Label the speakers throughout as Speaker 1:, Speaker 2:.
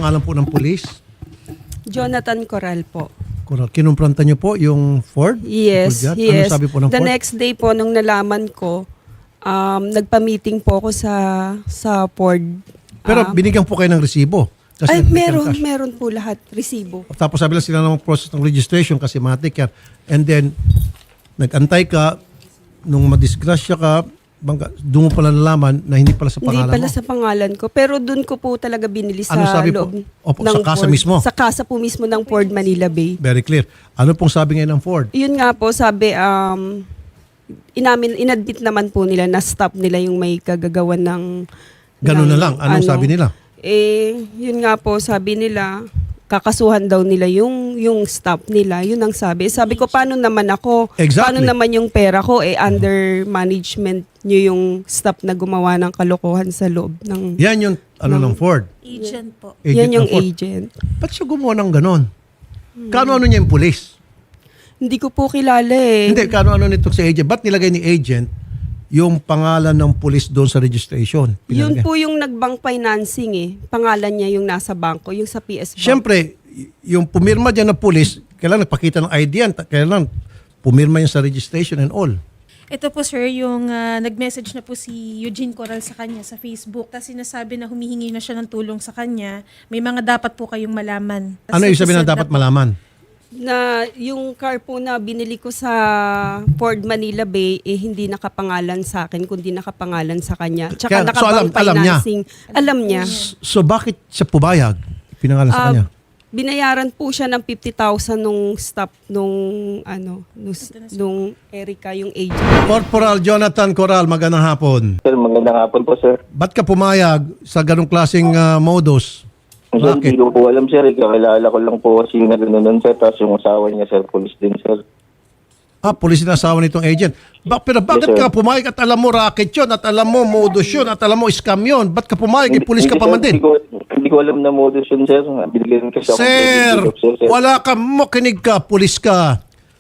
Speaker 1: pangalan po ng pulis?
Speaker 2: Jonathan Coral po.
Speaker 1: Kinumpranta niyo po yung Ford?
Speaker 2: Yes,
Speaker 1: Ano
Speaker 2: yes.
Speaker 1: sabi po ng
Speaker 2: The
Speaker 1: Ford?
Speaker 2: next day po, nung nalaman ko, nagpa-meeting po ako sa Ford.
Speaker 1: Pero binigyan po kayo ng resibo. Kasi
Speaker 2: Ay,
Speaker 1: nag-cash.
Speaker 2: meron po lahat, resibo.
Speaker 1: Tapos sabi lang sila ng process ng registration kasi matik yan. And then, nag-antay ka, nung madisgrasya ka, doon mo pala nalaman na hindi pala sa
Speaker 2: Hindi
Speaker 1: pangalan
Speaker 2: pala
Speaker 1: mo.
Speaker 2: sa pangalan ko. Pero doon ko po talaga binili sa
Speaker 1: Ano sabi po?
Speaker 2: loob
Speaker 1: Opo,
Speaker 2: ng
Speaker 1: sa kasa
Speaker 2: Ford.
Speaker 1: mismo?
Speaker 2: Sa kasa po mismo ng Ford Manila Bay.
Speaker 1: Very clear. Ano pong sabi ngayon ng Ford?
Speaker 2: Yun nga po, sabi, inadmit naman po nila na stop nila yung may kagagawan ng...
Speaker 1: Ganun na lang. Anong sabi nila?
Speaker 2: Yun nga po, sabi nila, kakasuhan daw nila yung staff nila. Yun ang sabi. Sabi ko, paano naman ako?
Speaker 1: Exactly.
Speaker 2: Paano naman yung pera ko? Under management nyo yung staff na gumawa ng kalokohan sa loob ng...
Speaker 1: Yan yung ng Ford.
Speaker 3: Agent po.
Speaker 2: Yan yung
Speaker 1: ng Ford.
Speaker 2: agent.
Speaker 1: Ba't siya gumawa ng ganon? Kano-ano niya yung pulis?
Speaker 2: Hindi ko po kilala eh.
Speaker 1: Hindi, kano-ano nito si agent? Ba't nilagay ni agent yung pangalan ng pulis doon sa registration?
Speaker 2: Yun
Speaker 1: Pinalagay.
Speaker 2: po yung nag-bank financing eh. Pangalan niya yung nasa bangko, yung sa PS Bank.
Speaker 1: Siyempre, yung pumirma dyan ng pulis, kailangan nagpakita ng ID yan. Kailangan pumirma yan sa registration and all.
Speaker 3: Ito po sir, yung nag-message na po si Eugene Coral sa kanya sa Facebook. Tapos sinasabi na humihingi na siya ng tulong sa kanya. May mga dapat po kayong malaman.
Speaker 1: Ano yung sabi na dapat malaman?
Speaker 2: Na yung car po na binili ko sa Ford Manila Bay hindi nakapangalan sa akin kundi nakapangalan sa kanya. Tsaka
Speaker 1: Kaya, so
Speaker 2: nakabank
Speaker 1: alam niya?
Speaker 2: financing. Alam niya.
Speaker 1: So bakit siya pubayag? Pinangalan sa kanya?
Speaker 2: Binayaran po siya ng 50,000 nung stop nung Erica yung agent.
Speaker 1: Corporal Jonathan Coral, magandang hapon.
Speaker 4: Sir, magandang hapon po, sir.
Speaker 1: Ba't ka pumayag sa ganong klaseng modus?
Speaker 4: Sir,
Speaker 1: Bakit?
Speaker 4: hindi ko po alam, sir. Kakilala ko lang po kasi na gano'n, sir. Tapos yung asawa niya, sir, police din, sir.
Speaker 1: Pulis na asawa nitong agent. Pero bakit
Speaker 4: Yes, sir.
Speaker 1: ka pumayag at alam mo racket yun, at alam mo modus yun, at alam mo scam yun? Ba't ka pumayag? Pulis ka pa man din.
Speaker 4: Hindi ko alam na modus yun, sir. Binigyan kasi ako.
Speaker 1: Sir, wala ka, makinig ka, pulis ka.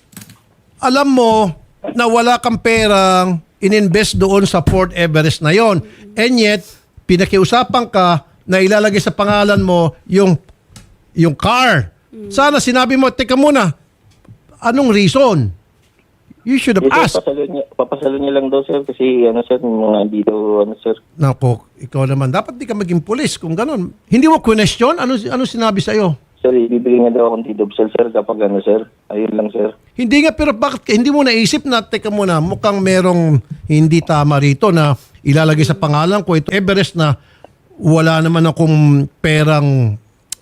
Speaker 1: Alam mo na wala kang perang ininvest doon sa Fort Everest na yon. And yet, pinakiusapan ka na ilalagay sa pangalan mo yung car. Sana sinabi mo, teka muna, anong reason? You should have
Speaker 4: Yes,
Speaker 1: asked.
Speaker 4: sir, papasalo niya lang daw, sir. Kasi, sir, mga dito, sir.
Speaker 1: Nako, ikaw naman. Dapat di ka maging pulis kung ganun. Hindi mo question? Ano sinabi sa'yo?
Speaker 4: Sir, ibibigay nga daw akong tidobsel, sir, kapag sir. Ayun lang, sir.
Speaker 1: Hindi nga, pero bakit hindi mo naisip na, teka muna, mukhang merong hindi tama rito na ilalagay sa pangalan ko ito Everest na wala naman akong perang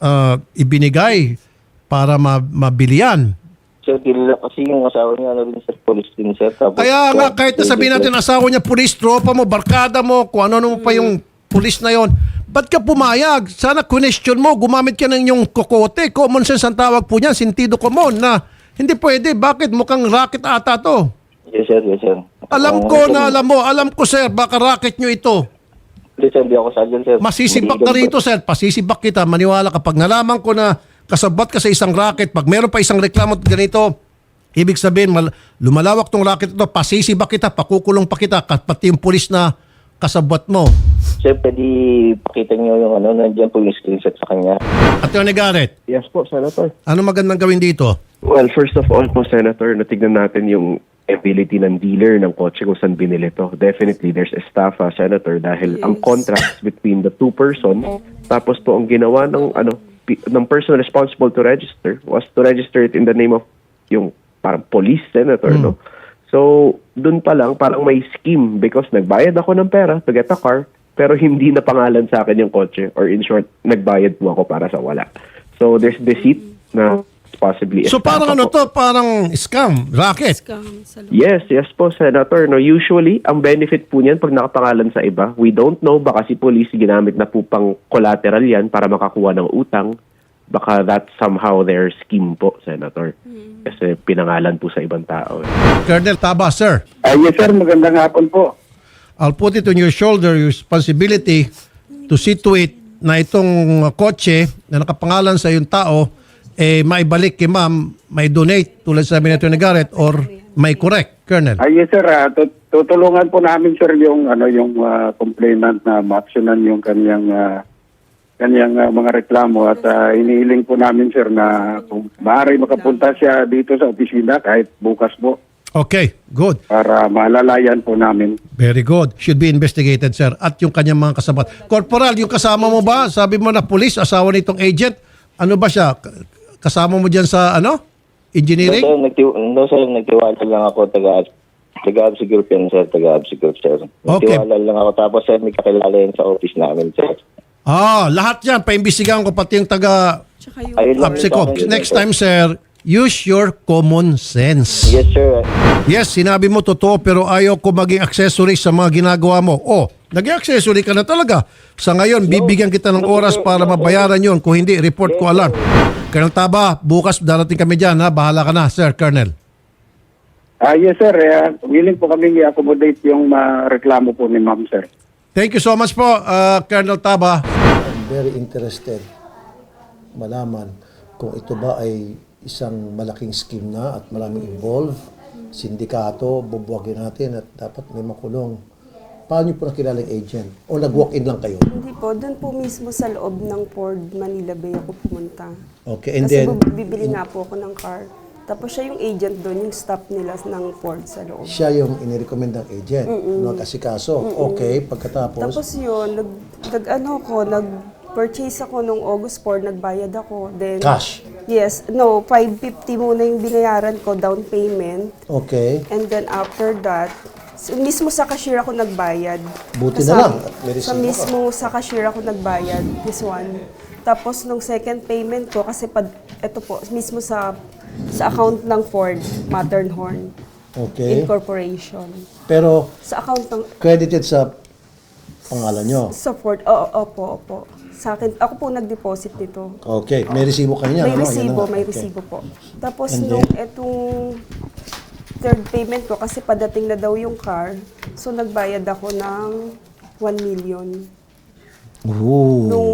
Speaker 1: ibinigay para mabili yan.
Speaker 4: Sir, kilala kasi yung asawa niya, rin, sir, police din, sir. Tapos,
Speaker 1: Kaya nga, kahit na sabihin natin asawa niya, pulis, tropa mo, barkada mo, kung ano pa yung pulis na yon, ba't ka pumayag? Sana question mo, gumamit ka ng yung kokote. Common sense ang tawag po niyan, sentido common na hindi pwede. Bakit? Mukhang racket ata to.
Speaker 4: Yes, sir, yes, sir.
Speaker 1: Alam ko na alam ko sir, baka racket nyo ito.
Speaker 4: Hindi, sir, di ako sadyan, sir.
Speaker 1: Masisibak ka rito sir, pasisibak kita, maniwala ka. Pag nalaman ko na kasabot ka sa isang racket, pag meron pa isang reklamo ganito, ibig sabihin, lumalawak tong racket ito, pasisibak kita, pakukulong pa kita, pati yung pulis na kasabot mo.
Speaker 4: Sir, pwede pakita niyo yung nandiyan po yung screenshot sa kanya.
Speaker 1: Atty. Garrett,
Speaker 5: Yes po, Senator.
Speaker 1: ano magandang gawin dito?
Speaker 5: Well, first of all po, Senator, natignan natin yung ability ng dealer ng kotse kung saan binili to. Definitely, there's estafa, Senator, dahil ang contracts between the two person, tapos po ang ginawa ng person responsible to register was to register it in the name of yung parang police, Senator, no? So, dun pa lang, parang may scheme because nagbayad ako ng pera to get a car, pero hindi na pangalan sa akin yung kotse, or in short, nagbayad po ako para sa wala. So, there's deceit na possibly
Speaker 1: So
Speaker 5: estafa
Speaker 1: parang
Speaker 5: po.
Speaker 1: parang scam, racket.
Speaker 2: Scam sa loob.
Speaker 5: Yes po, Senator. No, usually, ang benefit po niyan pag nakapangalan sa iba, we don't know, baka si police ginamit na po pang collateral yan para makakuha ng utang. Baka that's somehow their scheme po, Senator. Kasi pinangalan po sa ibang tao.
Speaker 1: Colonel Taba, sir.
Speaker 6: Yes, sir. Magandang hapon po.
Speaker 1: I'll put it on your shoulder, your responsibility to see to it na itong kotse na nakapangalan sa yung tao, maibalik kay ma'am, may donate tulad sa sabi ni Garrett or may correct, Colonel.
Speaker 6: Yes, sir. Tutulungan po namin, sir, yung complainant na ma-actionan yung kanyang kanyang mga reklamo at inihiling po namin sir na kung maaari makapunta siya dito sa opisina kahit bukas po
Speaker 1: Okay, good.
Speaker 6: para malalayan po namin.
Speaker 1: Very good. Should be investigated, sir. At yung kanyang mga kasama. Corporal, yung kasama mo ba? Sabi mo na police, asawa nitong agent. Ano ba siya? Kasama mo dyan sa engineering?
Speaker 4: No, sir, nagtiwala lang ako, taga-Absi Group yan, sir, taga-Absi Group, sir.
Speaker 1: Okay.
Speaker 4: Nagtiwala lang ako, tapos sir, may kakilala yan sa office namin, sir.
Speaker 1: Lahat yan. Paimbestigahan ko pati yung taga
Speaker 2: Tsaka yung
Speaker 4: Ayun lang
Speaker 1: Absicop.
Speaker 4: yung sa akin,
Speaker 1: Next time, sir, use your common sense.
Speaker 4: Yes, sir.
Speaker 1: Yes, sinabi mo totoo pero ayaw ko maging accessory sa mga ginagawa mo. Naging accessory ka na talaga. Sa ngayon, bibigyan kita ng oras para mabayaran yon. Kung hindi, report ko alarm. Colonel Taba, bukas darating kami dyan. Bahala ka na, Sir Colonel.
Speaker 6: Yes sir, willing po kami i-accommodate yung reklamo po ni ma'am sir.
Speaker 1: Thank you so much po, Colonel Taba.
Speaker 7: I'm very interested malaman kung ito ba ay isang malaking scheme na at maraming involved, sindikato, bubuwagin natin at dapat may makulong. Paano niyo po nakilala yung agent? O nag-walk-in lang kayo?
Speaker 2: Hindi po, doon po mismo sa loob ng Ford Manila Bay ako pumunta.
Speaker 7: Okay, and
Speaker 2: Kasi
Speaker 7: then,
Speaker 2: bibili nga po ako ng car. Tapos siya yung agent doon, yung staff nila ng Ford sa loob.
Speaker 7: siya yung inirecommend ng agent, nag-asikaso. Okay, pagkatapos,
Speaker 2: Tapos yun, nag-purchase ako nung August 4, nagbayad ako. Then,
Speaker 7: cash.
Speaker 2: Yes, no, 550 muna yung binayaran ko, down payment.
Speaker 7: Okay,
Speaker 2: And then after that, mismo sa cashier ako nagbayad.
Speaker 7: Buti na lang at may
Speaker 2: Sa
Speaker 7: resibo ka.
Speaker 2: mismo sa cashier ako nagbayad, this one. Tapos nung second payment ko, kasi ito po, mismo sa account ng Ford, Matterhorn
Speaker 7: okay.
Speaker 2: Incorporation.
Speaker 7: Pero
Speaker 2: Sa account ng,
Speaker 7: credited sa pangalan nyo.
Speaker 2: sa Ford, opo. Sa akin, ako po nag-deposit nito.
Speaker 7: Okay, may resibo kayo niyan.
Speaker 2: May
Speaker 7: ano? Yan
Speaker 2: resibo,
Speaker 7: na.
Speaker 2: may
Speaker 7: Okay.
Speaker 2: resibo po. Tapos
Speaker 7: And
Speaker 2: nung etong third payment ko, kasi padating na daw yung car, so nagbayad ako ng 1 million.
Speaker 7: Ooh.
Speaker 2: Nung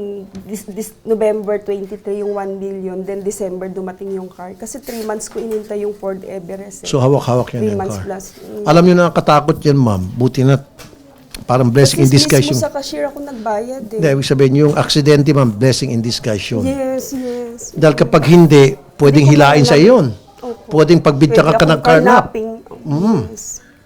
Speaker 2: November 23 yung 1 million, then December dumating yung car. Kasi 3 months ko inintay yung Ford Everest.
Speaker 7: So hawak-hawak yan
Speaker 2: 3
Speaker 7: yung
Speaker 2: months
Speaker 7: car.
Speaker 2: plus.
Speaker 7: Alam niyo nakakatakot yan, ma'am. Buti na parang blessing in disguise
Speaker 2: Mismo
Speaker 7: yung...
Speaker 2: sa cashier ako nagbayad
Speaker 7: Hindi,
Speaker 2: eh.
Speaker 7: ibig sabihin yung aksidente, ma'am, blessing in disguise yun.
Speaker 2: Yes.
Speaker 7: Dahil kapag hindi, pwedeng
Speaker 2: Hindi ko
Speaker 7: hilain sa
Speaker 2: kailangan-
Speaker 7: iyon.
Speaker 2: Opo.
Speaker 7: Pwedeng pagbitya ka
Speaker 2: Pwede
Speaker 7: ng
Speaker 2: akong
Speaker 7: karnap.
Speaker 2: carnapping. Yes.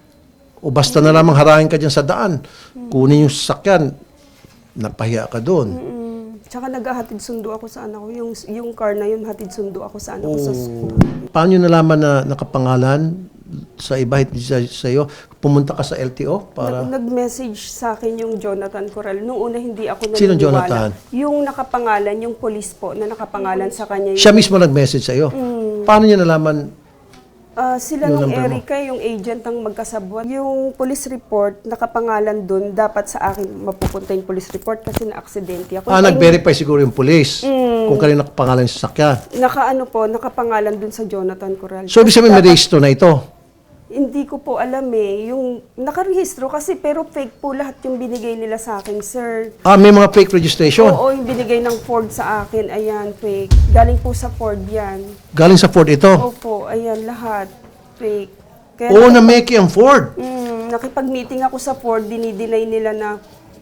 Speaker 7: O basta na lamang harangin ka dyan sa daan. Kunin yung sasakyan, napahiya ka doon.
Speaker 2: Tsaka naghahatid sundo ako sa anak ko. Yung car na yun, hatid sundo ako sa anak ko sa school.
Speaker 7: Paano nyo nalaman na nakapangalan sa iba, hindi sa iyo? Pumunta ka sa LTO para...
Speaker 2: Nag-message sa akin yung Jonathan Corral. Nung una hindi ako naniniwala.
Speaker 7: Sino Jonathan?
Speaker 2: Yung nakapangalan, yung police po na nakapangalan sa kanya.
Speaker 7: Siya mismo nag-message sa iyo. Paano nyo nalaman?
Speaker 2: Sila
Speaker 7: Yung
Speaker 2: nung
Speaker 7: number mo?
Speaker 2: Erica, yung agent ang magkasabwat. Yung police report, nakapangalan dun, dapat sa akin mapupunta yung police report kasi na-aksidente ako.
Speaker 7: Nag-verify siguro yung police kung kanino nakapangalan sa sasakyan.
Speaker 2: Nakapangalan dun sa Jonathan Corral.
Speaker 7: So, ibig sabihin may
Speaker 2: Dapat-
Speaker 7: registro na ito.
Speaker 2: Hindi ko po alam eh. Yung nakarehistro kasi pero fake po lahat yung binigay nila sa akin, sir.
Speaker 7: May mga fake registration.
Speaker 2: Oo, yung binigay ng Ford sa akin, ayan, fake. Galing po sa Ford yan.
Speaker 7: Galing sa Ford ito.
Speaker 2: Opo, ayan, lahat. Fake. Kaya
Speaker 7: Oo, na-make ang Ford.
Speaker 2: nakipag-meeting ako sa Ford, dinideny nila na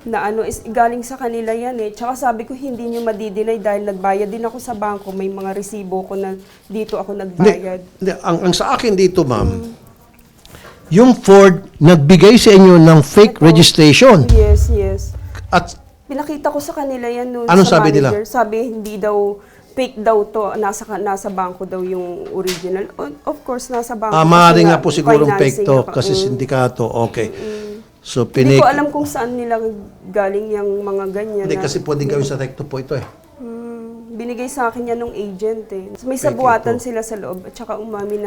Speaker 2: galing sa kanila yan eh. Tsaka sabi ko, hindi nyo madideny dahil nagbayad din ako sa bangko. May mga resibo ko na dito ako nagbayad.
Speaker 7: Hindi, ang sa akin dito, ma'am, yung Ford nagbigay sa inyo ng fake registration.
Speaker 2: Yes.
Speaker 7: At
Speaker 2: Pinakita ko sa kanila yan noon
Speaker 7: Anong
Speaker 2: sa
Speaker 7: sabi nila?
Speaker 2: manager. Sabi, hindi daw, fake daw to. Nasa bangko daw yung original. Of course, nasa bangko.
Speaker 7: maaaring
Speaker 2: Kasi
Speaker 7: nga po sigurong fake
Speaker 2: financing
Speaker 7: to
Speaker 2: ako.
Speaker 7: kasi sindikato. Okay. So,
Speaker 2: Hindi
Speaker 7: pinik...
Speaker 2: ko alam kung saan nila galing yung mga ganyan.
Speaker 7: Hindi,
Speaker 2: na-
Speaker 7: kasi pwedeng gawin sa recto po ito eh.
Speaker 2: Binigay sa akin yan ng agent eh. May
Speaker 7: Fake
Speaker 2: sabuatan
Speaker 7: ito.
Speaker 2: sila sa loob. At saka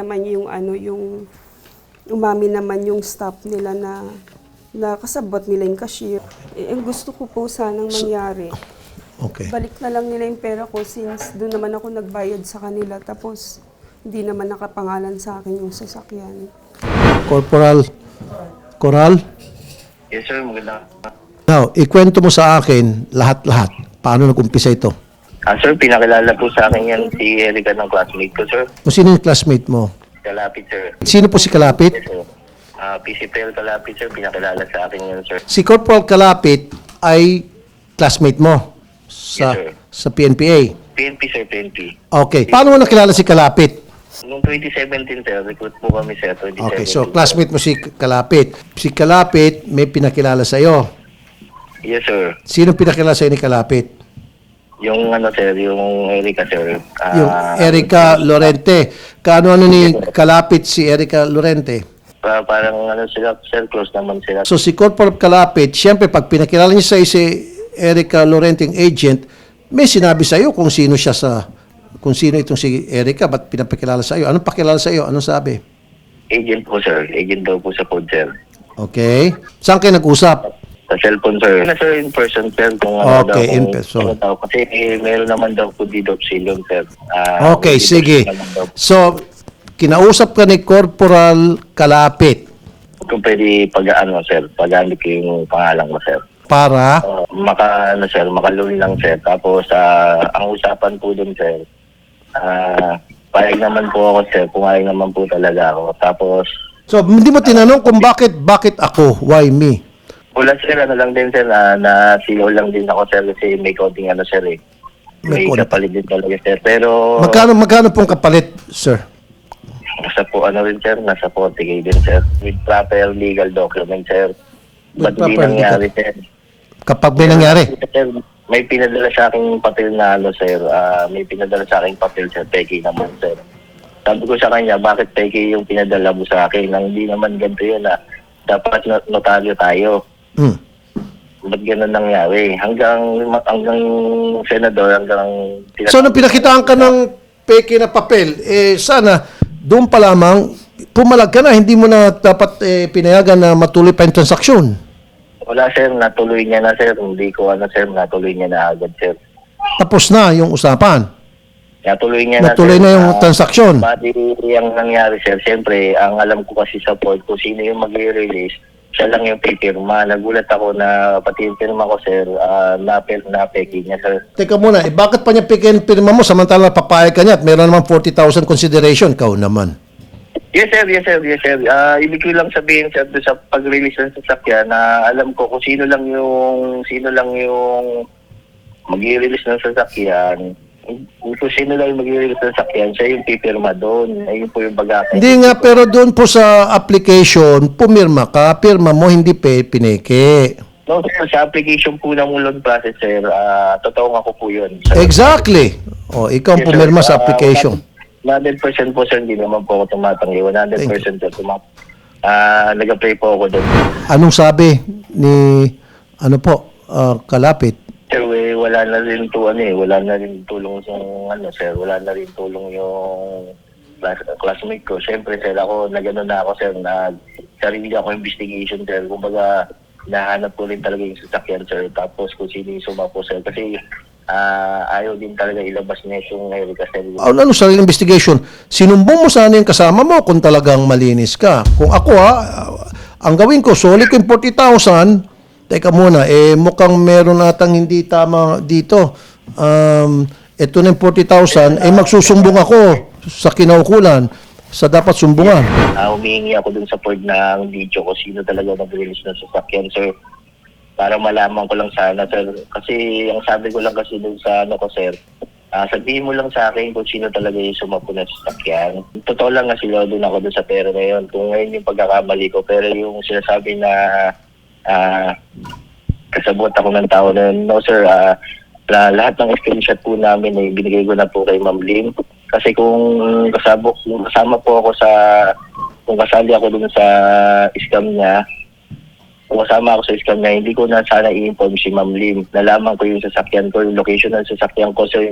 Speaker 2: umami naman yung staff nila na kasabot nila yung cashier. Ang gusto ko po sanang mangyari.
Speaker 7: Okay.
Speaker 2: Balik na lang nila yung pera ko since doon naman ako nagbayad sa kanila. Tapos hindi naman nakapangalan sa akin yung sasakyan.
Speaker 7: Corporal Coral,
Speaker 4: Yes, sir. Maganda.
Speaker 7: now, ikwento mo sa akin lahat-lahat. Paano nag-umpisa ito?
Speaker 4: Sir, pinakilala po sa akin yan si Erica ng classmate ko, sir.
Speaker 7: Kung sino yung classmate mo?
Speaker 4: Kalapit, sir.
Speaker 7: Sino po si Kalapit?
Speaker 4: Yes, sir. PCPL Kalapit, sir. Pinakilala sa akin yan, sir.
Speaker 7: Si Corporal Kalapit ay classmate mo sa,
Speaker 4: Yes, sir.
Speaker 7: sa PNPA.
Speaker 4: PNP, sir, PNP.
Speaker 7: Okay. Paano mo nakilala si Kalapit?
Speaker 4: Noong 2017, sir, recruit po kami, sir, 2017.
Speaker 7: Okay, so classmate mo si Kalapit. Si Kalapit may pinakilala sa iyo.
Speaker 4: Yes, sir.
Speaker 7: Sino pinakilala sa ni Kalapit?
Speaker 4: Yung ano, sir, yung Erica, sir.
Speaker 7: Yung Erica Lorente. Kaano ni Kalapit si Erica Lorente?
Speaker 4: Parang ano sila, sir, close naman sila.
Speaker 7: So si Corporal Kalapit, siyempre pag pinakilala niya sa si Erica Lorente, yung agent, may sinabi sa iyo kung sino siya kung sino itong si Erica, ba't pinapakilala sa iyo? Anong pakilala sa iyo? Anong sabi?
Speaker 4: Agent po, sir. Agent daw po sa pod, sir.
Speaker 7: Okay. Saan kayo nag-usap?
Speaker 4: Sa cellphone, sir. Sir, in person, sir. Kung ano
Speaker 7: Okay,
Speaker 4: daw,
Speaker 7: in
Speaker 4: kung
Speaker 7: person.
Speaker 4: ano daw. Kasi meron naman daw po dito opsilyon, sir.
Speaker 7: Okay,
Speaker 4: dito
Speaker 7: sige.
Speaker 4: naman daw.
Speaker 7: So, kinausap ka ni Corporal Kalapit
Speaker 4: Kung pwede pag-ano, sir. Pag-ano ko yung pangalan ko, sir.
Speaker 7: para
Speaker 4: Makalun lang, sir. Tapos, ang usapan po dun, sir, payag naman po ako, sir. Pumayag naman po talaga ako. Tapos,
Speaker 7: So, hindi mo tinanong kung bakit ako? Why me?
Speaker 4: wala, sir, ano lang din, sir, na sigaw lang din ako, sir, kasi may konting ano, sir, eh.
Speaker 7: May
Speaker 4: May
Speaker 7: konti.
Speaker 4: kapalit din talaga, sir. Pero,
Speaker 7: Magkano pong kapalit, sir?
Speaker 4: nasa po, ano rin, sir, nasa 40K din, sir. With proper legal document, sir.
Speaker 7: With
Speaker 4: Ba't hindi
Speaker 7: proper
Speaker 4: nangyari, sir?
Speaker 7: Kapag may nangyari.
Speaker 4: Sir, may pinadala sa aking papel na ano, sir. May pinadala sa aking papel, sir. Peki naman, sir. Sabi ko sa kanya, bakit peki yung pinadala mo sa akin? Nang hindi naman ganito yun, dapat notaryo tayo.
Speaker 7: Hmm.
Speaker 4: Ba't ganun nangyari? Hanggang senador,
Speaker 7: So, nung pinakitaan ka ng peke na papel, sana, doon pa lamang, pumalag ka na, hindi mo na dapat pinayagan na matuloy pa yung transaksyon.
Speaker 4: Wala, sir. Natuloy niya na, sir. Hindi ko sir. Natuloy niya na agad, sir.
Speaker 7: Tapos na yung usapan.
Speaker 4: Natuloy niya
Speaker 7: Natuloy
Speaker 4: sir.
Speaker 7: na yung transaksyon.
Speaker 4: Bali, ang nangyari, sir, siyempre, ang alam ko kasi sa port, kung sino yung mag-release, siya lang yung pipirma. Nagulat ako na pati yung pirma ko, sir, na-peki niya, sir.
Speaker 7: Teka muna, bakit pa niya pikin pirma mo samantala papayag ka niya at meron naman 40,000 consideration? Kau naman.
Speaker 4: Yes, sir. Yes, sir. Yes, sir. Ibig ko lang sabihin, sir, doon sa pag-release ng sasakyan na alam ko kung sino lang yung mag-release ng sasakyan. Kung sino lang yung mag-release ng sasakyan, siya yung pipirma doon. Ayun po yung bagay.
Speaker 7: Hindi nga, pero doon po sa application, pumirma ka, pirma mo, hindi pineke.
Speaker 4: No, sir, sa application po ng loan process, sir, totoo nga ko po yun.
Speaker 7: Exactly. O, ikaw ang
Speaker 4: Yes, sir.
Speaker 7: pumirma sa application.
Speaker 4: 100% po, sir, hindi naman po ako tumatanggi. 100% sir, nag-apply po ako doon.
Speaker 7: Anong sabi ni, Kalapit?
Speaker 4: Sir, wala na rin wala na rin tulong yung, sir, wala na rin tulong yung classmate ko. Siyempre, sir, ako, nag-ano na ako, sir, sarili ako investigation, sir. Kumbaga, nahanap ko rin talaga yung sasakyan, sir. Tapos kung sino yung sumapo, sir. Kasi, ayaw din talaga ilabas niya yung Erica, sir.
Speaker 7: Ano sarili investigation? Sinumbong mo sana yung kasama mo kung talagang malinis ka. Kung ako ang gawin ko, sulit ko yung 40,000, teka muna, mukhang meron atang hindi tama dito. Ito na yung 40,000, magsusumbong ako sa kinaukulan sa dapat sumbungan.
Speaker 4: Humihingi ako dun sa board ng video ko sino talaga nag-release ng sasakyan, sir. Para malaman ko lang sana, sir. Kasi ang sabi ko lang kasi dun sa sir, sabihin mo lang sa akin kung sino talaga yung sumapo ng sasakyan. Totoo lang nga sila doon ako dun sa pera na yun. Kung ngayon yung pagkakamali ko, pero yung sinasabi na kasabot ako ng tao na yun, no sir, lahat ng screenshot po namin ay binigay ko na po kay Ma'am Lim. Kasi kung kasama po ako kung kasali ako dun sa scam niya, kung kasama ako sa scam niya, hindi ko na sana i-inform si Ma'am Lim. Nalaman ko yung sasakyan ko, yung location ng sasakyan ko, sir,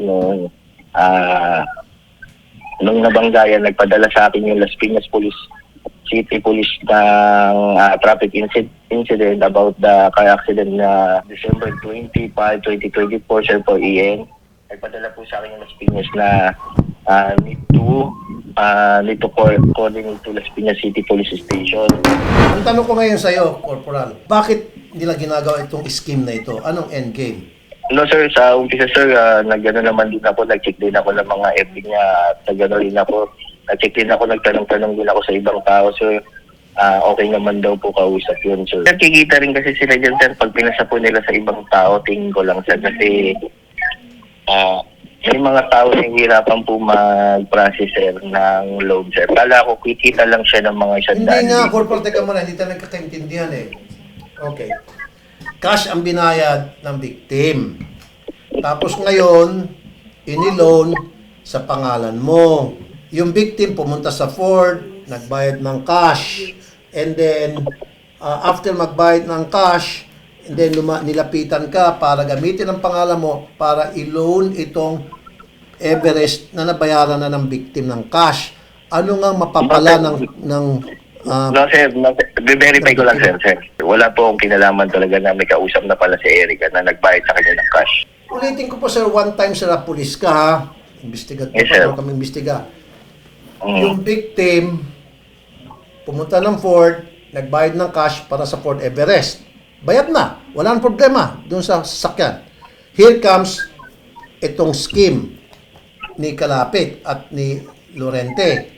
Speaker 4: nung nabanggayan, nagpadala sa akin yung Las Piñas City Police ng traffic incident about the car accident na December 25, 2024, sir, po EN. Nagpadala po sa akin yung Las Piñas na need to coordinate to Las Piñas City Police Station.
Speaker 7: Ang tanong ko ngayon sa iyo, Corporal, bakit nila ginagawa itong scheme na ito? Anong end game?
Speaker 4: No sir, sa umpisa sir, nag-ano naman din ako, nag-check din ako ng mga FB niya at nag-ano rin ako, nag-check din ako, nagtanong-tanong din ako sa ibang tao, sir. Okay naman daw po kausap yun, sir. Kikita rin kasi sila dyan, sir, pag pinasa po nila sa ibang tao, tingin ko lang, sir, kasi May mga tao na hihirapan po mag-process, sir, ng loan, sir. Kala ko, kikita lang siya ng mga 100,000.
Speaker 1: Hindi nga, Corporal, teka muna, hindi tayo nagkakaintindihan eh. Okay. Cash ang binayad ng victim. Tapos ngayon, iniloan sa pangalan mo. Yung victim pumunta sa Ford, nagbayad ng cash. And then, after magbayad ng cash, and then nilapitan ka para gamitin ang pangalan mo para i-loan itong Everest na nabayaran na ng victim ng cash. Ano nga mapapala ng
Speaker 4: No, sir. No, verify ko lang, sir. Wala po akong kinalaman talaga na may kausap na pala si Erica na nagbayad sa kanya ng cash.
Speaker 1: Ulitin ko po, sir, one time, sir, pulis ka, ha? Investigator
Speaker 4: Yes, sir.
Speaker 1: pa kami imbestiga. Yung victim, pumunta ng Ford, nagbayad ng cash para sa Ford Everest. Bayad na. Wala nang problema doon sa sasakyan. Here comes itong scheme ni Kalapit at ni Lorente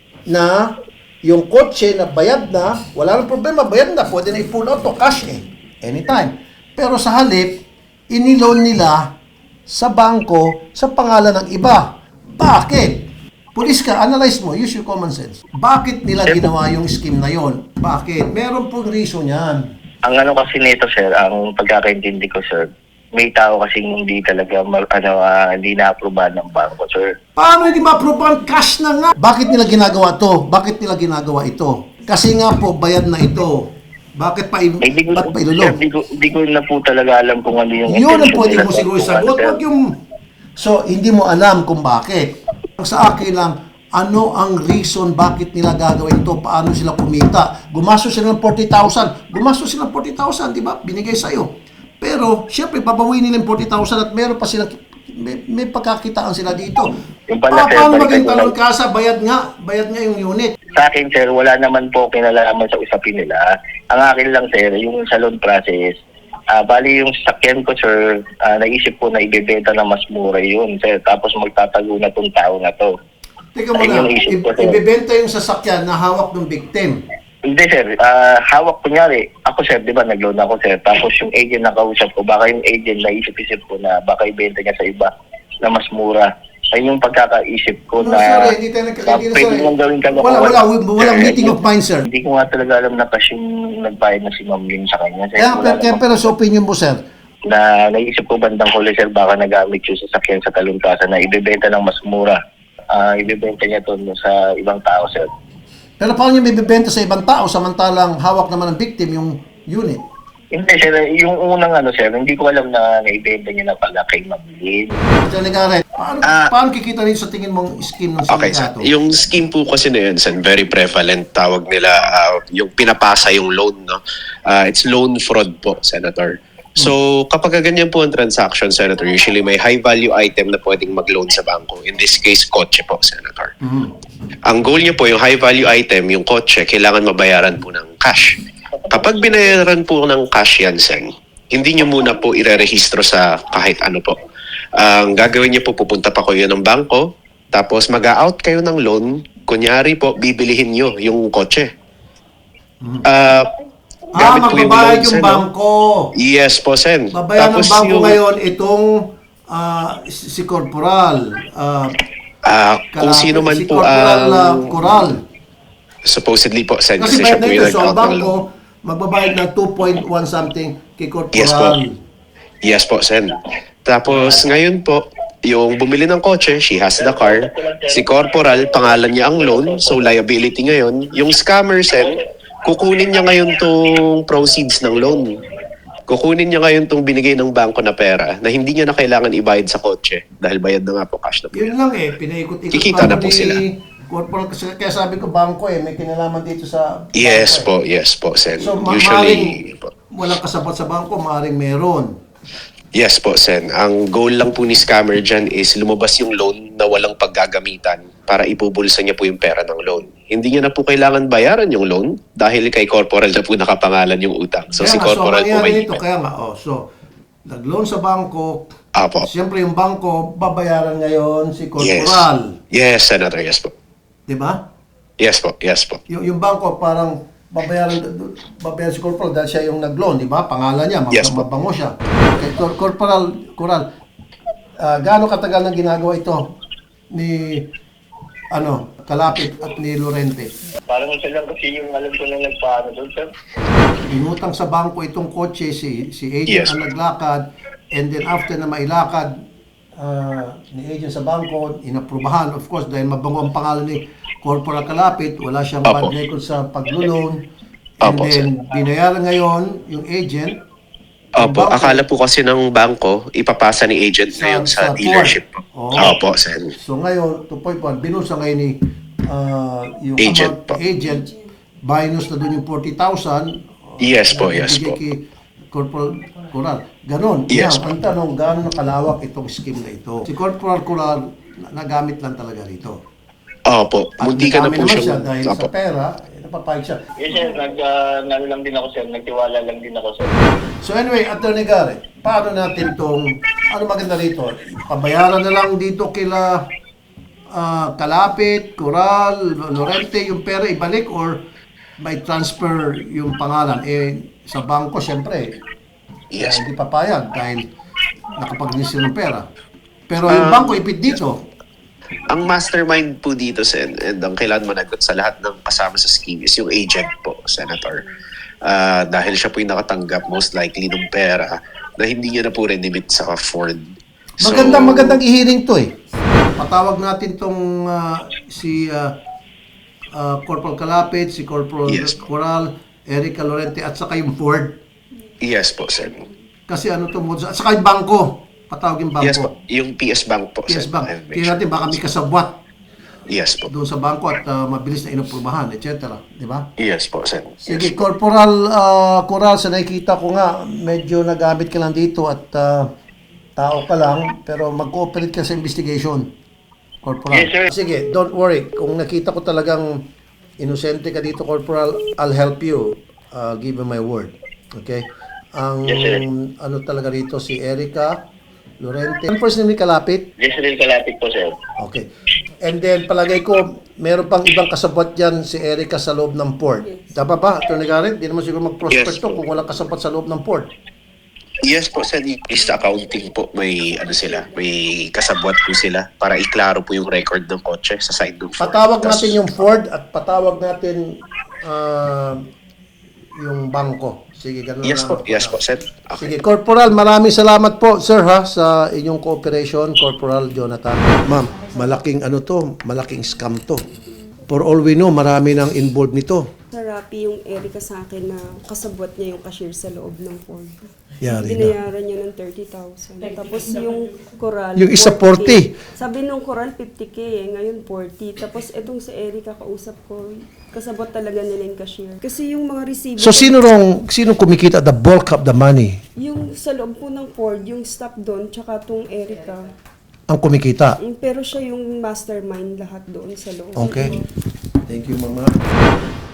Speaker 1: na yung kotse na bayad na, wala nang problema, bayad na. Pwede na i-pull out to cash anytime. Pero sa halip, iniloan nila sa bangko sa pangalan ng iba. Bakit? Pulis ka, analyze mo, use your common sense. Bakit nila ginawa yung scheme na yon? Bakit? Meron pong reason yan.
Speaker 4: Ang ano kasi nito, sir, ang pagkakaintindi ko, sir, may tao kasi hindi talaga hindi na-aprobahan ng bangko, sir.
Speaker 1: Paano hindi ma-approve ang cash na nga? Bakit nila ginagawa to? Bakit nila ginagawa ito? Kasi nga po, bayad na ito. Bakit pa ba't pa ilulong?
Speaker 4: Sir, di ko na po talaga alam kung ano yung
Speaker 1: Yun ang
Speaker 4: intention
Speaker 1: pwede
Speaker 4: nila
Speaker 1: mo
Speaker 4: sa
Speaker 1: siguro
Speaker 4: kung
Speaker 1: sagot.
Speaker 4: ano, sir.
Speaker 1: Wag yung... So, hindi mo alam kung bakit. Ang sa akin lang, ano ang reason bakit nila gagawin ito? Paano sila kumita? Gumastos sila ng 40,000. Gumastos sila ng 40,000, di ba? Binigay sa'yo. Pero, syempre, babawin nila yung 40,000 at meron pa sila, may pagkakitaan sila dito.
Speaker 4: Yung pala, sir,
Speaker 1: Paano
Speaker 4: balikan
Speaker 1: maging
Speaker 4: ko lang.
Speaker 1: talon kasa? Bayad nga yung unit.
Speaker 4: Sa akin, sir, wala naman po kinalaman sa usapin nila. Ang akin lang, sir, yung salon process, bali yung sasakyan ko, sir, naisip ko na ibebenta na mas mura yun, sir. Tapos magtatago na tong tao na to.
Speaker 1: Teka
Speaker 4: Ayun
Speaker 1: muna,
Speaker 4: yung isip ko, sir.
Speaker 1: ibebenta yung sasakyan na hawak ng victim.
Speaker 4: Hindi, sir. Hawak kunyari. Ako, sir, di ba, nag-loan ako, sir. Tapos yung agent na kausap ko, baka yung agent naisip-isip ko na baka ibenta niya sa iba na mas mura. Ayun yung pagkakaisip ko
Speaker 1: No,
Speaker 4: na
Speaker 1: sir, hindi tayo nagkakaintindihan,
Speaker 4: pwede
Speaker 1: sir.
Speaker 4: mong gawin ka
Speaker 1: Walang meeting of minds, sir.
Speaker 4: Hindi ko nga talaga alam na kasi yung nagbayad na si Ma'am Lynn sa kanya. Sir,
Speaker 1: Pero sa opinion mo, sir,
Speaker 4: na naisip ko bandang huli, sir, baka nagamit yung sasakyan sa Talungkasa na ibebenta ng mas mura. Ibebenta niya to sa ibang tao, sir.
Speaker 1: pero paano niya may bibenta sa ibang tao samantalang hawak naman ng victim yung unit?
Speaker 4: Hindi, sir. Yung unang sir, hindi ko alam na naibenta niya na pala kay Ma'am Lynn.
Speaker 1: Sir Legaret, paano kikita rin sa tingin mong scheme ng
Speaker 8: Okay,
Speaker 1: sindikato?
Speaker 8: yung scheme po kasi na yun, Sen, very prevalent. Tawag nila yung pinapasa yung loan, no? It's loan fraud po, Senator. So, kapag ganyan po ang transaction, Senator, usually may high-value item na pwedeng mag-loan sa bangko. In this case, kotse po, Senator. Ang goal niyo po, yung high-value item, yung kotse, kailangan mabayaran po ng cash. Kapag binayaran po ng cash yan, Sen, hindi niyo muna po irerehistro sa kahit ano po. Ang gagawin niyo po, pupunta pa kayo ng bangko, tapos mag-out kayo ng loan, kunyari po, bibilihin niyo yung kotse. Gamit po
Speaker 1: magbabayad
Speaker 8: loan,
Speaker 1: yung
Speaker 8: Sen, no?
Speaker 1: bangko.
Speaker 8: Yes po, Sen.
Speaker 1: Babayaran ng bangko ngayon itong si Corporal.
Speaker 8: Kung sino man
Speaker 1: si
Speaker 8: po
Speaker 1: Corporal
Speaker 8: ang
Speaker 1: Coral.
Speaker 8: supposedly po, Sen,
Speaker 1: Kasi
Speaker 8: kasi siya
Speaker 1: bayad
Speaker 8: po
Speaker 1: na
Speaker 8: yung
Speaker 1: ito. So, ang
Speaker 8: nag-out ng
Speaker 1: bangko,
Speaker 8: loan.
Speaker 1: magbabayad ng 2.1 something kay Corporal.
Speaker 8: Yes po. Yes po, Sen. Tapos ngayon po, yung bumili ng kotse, she has the car. Si Corporal, pangalan niya ang loan, so liability ngayon. Yung scammer, Sen, kukunin niya ngayon tong proceeds ng loan. Kukunin niya ngayon tong binigay ng bangko na pera na hindi niya na kailangan ibayad sa kotse dahil bayad na nga po cash na po.
Speaker 1: Yun lang pinaikot-ikot
Speaker 8: Kikita
Speaker 1: pa
Speaker 8: na po
Speaker 1: ni
Speaker 8: sila.
Speaker 1: Corporal, kaya sabi ko bangko may kinalaman dito sa
Speaker 8: Yes
Speaker 1: bangko,
Speaker 8: yes po, Sen.
Speaker 1: So,
Speaker 8: Usually, po.
Speaker 1: walang kasapat sa bangko, maaaring meron.
Speaker 8: Yes po, Sen. Ang goal lang po ni scammer dyan is lumabas yung loan na walang paggagamitan para ipubulsa niya po yung pera ng loan. Hindi niya na po kailangan bayaran yung loan dahil kay Corporal na po nakapangalan yung utang. So si Corporal po may limit.
Speaker 1: Kaya nga, so, nag-loan sa bangko,
Speaker 8: Apo.
Speaker 1: siyempre yung bangko, babayaran ngayon si Corporal.
Speaker 8: Yes, Senator. Yes po.
Speaker 1: Di ba?
Speaker 8: Yes po. Yes po.
Speaker 1: Yung bangko, parang babayaran si Corporal dahil siya yung nag-loan, di ba? Pangalan niya,
Speaker 8: Yes po.
Speaker 1: mabango siya. Okay, Corporal, gaano katagal na ginagawa ito ni Kalapit at ni Lorente?
Speaker 4: Parang isa lang kasi yung alam ko na nagpaano doon, sir.
Speaker 1: Inutang sa bangko itong kotse, si agent
Speaker 8: Yes.
Speaker 1: ang naglakad, and then after na mailakad ni agent sa bangko, inaprubahan, of course, dahil mabango ang pangalan ni Corporal Kalapit, wala siyang
Speaker 8: Opo.
Speaker 1: bad record sa paglo-loan, and
Speaker 8: Opo,
Speaker 1: then binayaran ngayon yung agent.
Speaker 8: Opo,
Speaker 1: Bangko.
Speaker 8: akala po kasi ng bangko, ipapasa ni agent ngayon sa
Speaker 1: Ford.
Speaker 8: dealership po.
Speaker 1: Oo.
Speaker 8: Opo, Sen.
Speaker 1: So ngayon, 2.1, binusa ngayon ni yung
Speaker 8: Agent
Speaker 1: amount,
Speaker 8: po.
Speaker 1: agent, minus na doon yung 40,000.
Speaker 8: Yes po, yes
Speaker 1: ibigay
Speaker 8: po.
Speaker 1: kay Corporal Coral. Ganon.
Speaker 8: Yes
Speaker 1: Now, ang tanong, gaano kalawak itong scheme na ito? Si Corporal Coral, nagamit lang talaga rito.
Speaker 8: Opo,
Speaker 1: At
Speaker 8: munti ka na
Speaker 1: nagamit
Speaker 8: po
Speaker 1: naman siya
Speaker 8: siya.
Speaker 1: dahil
Speaker 8: Opo.
Speaker 1: sa pera, napapayag siya.
Speaker 4: Yes, sir. Nag lang din ako, sir. Nagtiwala lang din ako, sir.
Speaker 1: So anyway, Attorney Garrett, paano natin itong, ano maganda rito? Pabayaran na lang dito kila Kalapit, Coral, Lorente, yung pera ibalik or may transfer yung pangalan? Sa bangko, syempre,
Speaker 8: Yes.
Speaker 1: hindi papayag dahil nakapag-release ng pera. Pero yung bangko ipit dito.
Speaker 8: Ang mastermind po dito, Sen, and ang kailangan managot sa lahat ng kasama sa scheme is yung agent po, Senator. Dahil siya po yung nakatanggap most likely ng pera na hindi niya na po rin-limit sa Ford. So,
Speaker 1: Magandang ihiring to eh. Patawag natin tong si Corporal Kalapit, si Corporal
Speaker 8: Yes.
Speaker 1: Coral, Erica Lorente, at saka yung Ford.
Speaker 8: Yes po, Sen.
Speaker 1: Kasi ano to, at saka yung bangko. Patawag yung bangko.
Speaker 8: Yes po. Yung PS Bank po,
Speaker 1: PS
Speaker 8: Sen.
Speaker 1: Bank.
Speaker 8: I'll make
Speaker 1: Tingnan natin, baka may kasabwat
Speaker 8: Yes po.
Speaker 1: doon sa bangko at mabilis na inaprubahan, etc. Di ba?
Speaker 8: Yes po, Sen.
Speaker 1: Sige, Corporal Coral, sa nakikita ko nga, medyo nagamit ka lang dito at tao ka lang, pero mag-cooperate ka sa investigation. Corporal.
Speaker 4: Yes, sir.
Speaker 1: Sige, don't worry. Kung nakita ko talagang inosente ka dito, Corporal, I'll help you. I'll give you my word. Okay? Ang
Speaker 4: Yes, sir.
Speaker 1: ano talaga rito, si Erica Lorente. Ang first name ni Kalapit?
Speaker 4: Yes, sir. Kalapit po, sir.
Speaker 1: Okay. And then, palagay ko, meron pang ibang kasabot dyan si Erica sa loob ng port. Tama ba, Atty. Garrett? Di naman siguro mag-prospect
Speaker 8: Yes,
Speaker 1: to
Speaker 8: po.
Speaker 1: kung walang kasabot sa loob ng port.
Speaker 8: Yes po, Sen. Is accounting po, may ano sila, may kasabwat po sila para iklaro po yung record ng kotse sa side ng Ford.
Speaker 1: Patawag
Speaker 8: Tas-
Speaker 1: natin yung Ford at patawag natin yung bangko. Sige, ganun
Speaker 8: Yes
Speaker 1: lang.
Speaker 8: po, yes po, Sen.
Speaker 1: Sige,
Speaker 8: Okay.
Speaker 1: Corporal, maraming salamat po, sir, ha, sa inyong cooperation, Corporal Jonathan. Ma'am, malaking ano to, malaking scam to. For all we know, marami nang involved nito.
Speaker 2: Narapi yung Erica sa akin na kasabwat niya yung cashier sa loob ng Ford.
Speaker 1: Yari na.
Speaker 2: Binayaran niya ng 30,000. Tapos yung Coral,
Speaker 1: Yung isa 40.
Speaker 2: Sabi nung Coral, 50K eh. Ngayon 40. Tapos etong si Erica, kausap ko, kasabot talaga nila yung cashier. Kasi yung mga receiver,
Speaker 1: So, sino kumikita the bulk of the money?
Speaker 2: yung sa loob po ng Ford, yung staff doon, tsaka tong Erica.
Speaker 1: Ang kumikita?
Speaker 2: Pero siya yung mastermind lahat doon sa loob.
Speaker 1: Okay. Thank you, Mama.